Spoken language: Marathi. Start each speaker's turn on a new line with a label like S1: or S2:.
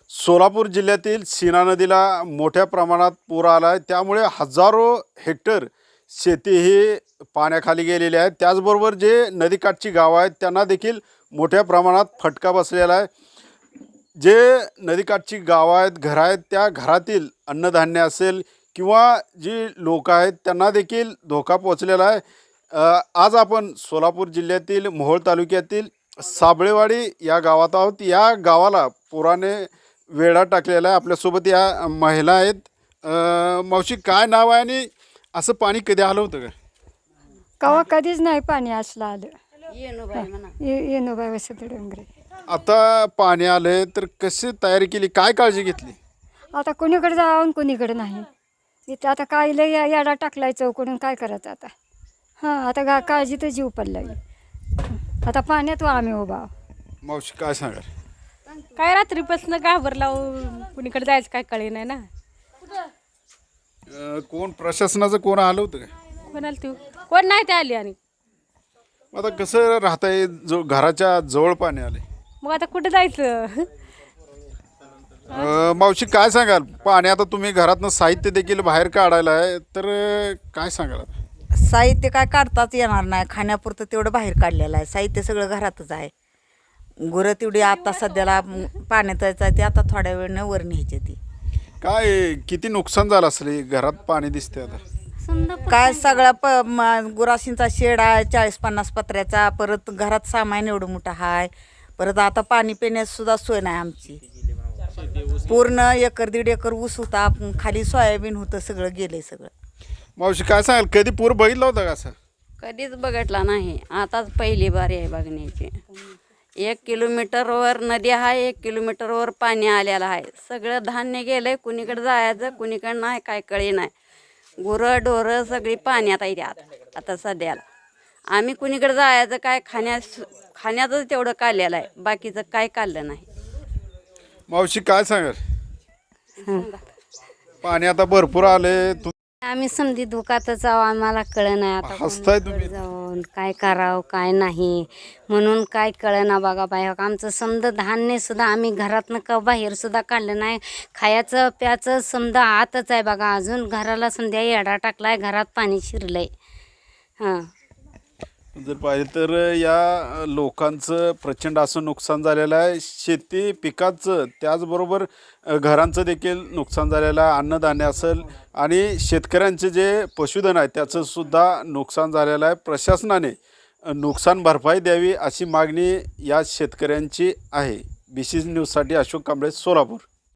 S1: सोलापूर जिल्ह्यातील सीना नदीला मोठ्या प्रमाणात पूर आला आहे. त्यामुळे हजारो हेक्टर शेती ही पाण्याखाली गेलेली आहे. त्याचबरोबर जे नदीकाठची गावं आहेत त्यांना देखील मोठ्या प्रमाणात फटका बसलेला आहे. जे नदीकाठची गावं आहेत, घरं आहेत, त्या घरातील अन्नधान्य असेल किंवा जी लोक आहेत त्यांना देखील धोका पोचलेला आहे. आज आपण सोलापूर जिल्ह्यातील मोहोळ तालुक्यातील साबळेवाडी या गावात आहोत. या गावाला पुराने वेढा टाकलेला आहे. आपल्यासोबत या महिला आहेत. मावशी, काय नाव आहे आणि असं पाणी कधी आलं होतं का?
S2: कवा कधीच नाही पाणी असलं आलं.
S3: येणूबाई
S2: येणूबाई वसत डोंगरे.
S1: आता पाणी आलं तर कशी तयारी केली, काय काळजी घेतली?
S2: आता कुणीकडे जाऊन कुणीकडे नाही. इथं आता काय लय याडा टाकलाय चौकडून, काय करायचं आता. हां, आता काळजी तर जीव पडलाय. आता पाण्यात आम्ही उभा.
S1: मावशी काय सांगाल?
S3: काय रात्रीपासून घाबरला, कुणीकडे जायचं काय कळे नाही ना.
S1: कोण प्रशासनाचं कोण आलं होतं का?
S3: कोणाला तू कोण नाही ते आली. आणि
S1: आता कसं राहताय, जो घराच्या जवळ पाणी आले,
S3: मग आता कुठं जायचं.
S1: मावशी काय सांगाल? पाणी आता तुम्ही घरातनं साहित्य देखील बाहेर काढायला आहे, तर काय सांगाल?
S4: साहित्य काय काढताच येणार नाही. खाण्यापुरतं तेवढं बाहेर काढलेलं आहे. साहित्य सगळं घरातच आहे. गुरं तेवढी आता सध्याला पाण्यात जायचं ते आता थोड्या वेळानं वर न्यायची ती.
S1: काय किती नुकसान झालं असेल? घरात पाणी दिसते आता.
S4: काय सगळा गुराशींचा शेड आहे 40-50 पत्र्याचा. परत घरात सामान एवढं मोठं आहे. परत आता पाणी पिण्यास सुद्धा सोय नाही आमची. पूर्ण 1-1.5 एकर ऊस होता, खाली सोयाबीन होतं, सगळं गेलंय सगळं.
S1: मावशी काय सांगाल? कधी पूर बघितला होता का असं?
S5: कधीच बघितला नाही, आताच पहिली बारी आहे बघण्याची. 1 किलोमीटरवर नदी आहे, 1 किलोमीटरवर पाणी आलेलं आहे. सगळं धान्य गेलंय, कुणीकडे जायचं कुणीकडे नाही काय कळी नाही. गुरं ढोरं सगळी पाण्यात येतात आता सध्याला. आम्ही कुणीकडे जायचं काय, खाण्याचं तेवढं काढलेलं आहे, बाकीचं काय काढलं नाही.
S1: मावशी काय सांगाल? पाणी आता भरपूर आले.
S6: आम्ही समधी दुखातच आहो, आम्हाला कळ नाही आता
S1: हसताय तुम्ही.
S6: कोणाकडे जाऊन काय करावं काय नाही म्हणून काय कळना. बघा बाय, आमचं समजा धान्य सुद्धा आम्ही घरातनं का बाहेर सुद्धा काढलं नाही. खायचं प्याचं समजा आतच आहे बघा. अजून घराला संध्या येडा टाकलाय, घरात पाणी शिरलंय. हां,
S1: जर पाहिजे तर या लोकांचं प्रचंड असं नुकसान झालेलं आहे. शेती पिकाचं त्याचबरोबर घरांचं देखील नुकसान झालेलं आहे. अन्नधान्य असेल आणि शेतकऱ्यांचे जे पशुधन आहे त्याचं सुद्धा नुकसान झालेलं आहे. प्रशासनाने नुकसान भरपाई द्यावी अशी मागणी या शेतकऱ्यांची आहे. BC न्यूजसाठी अशोक कांबळे, सोलापूर.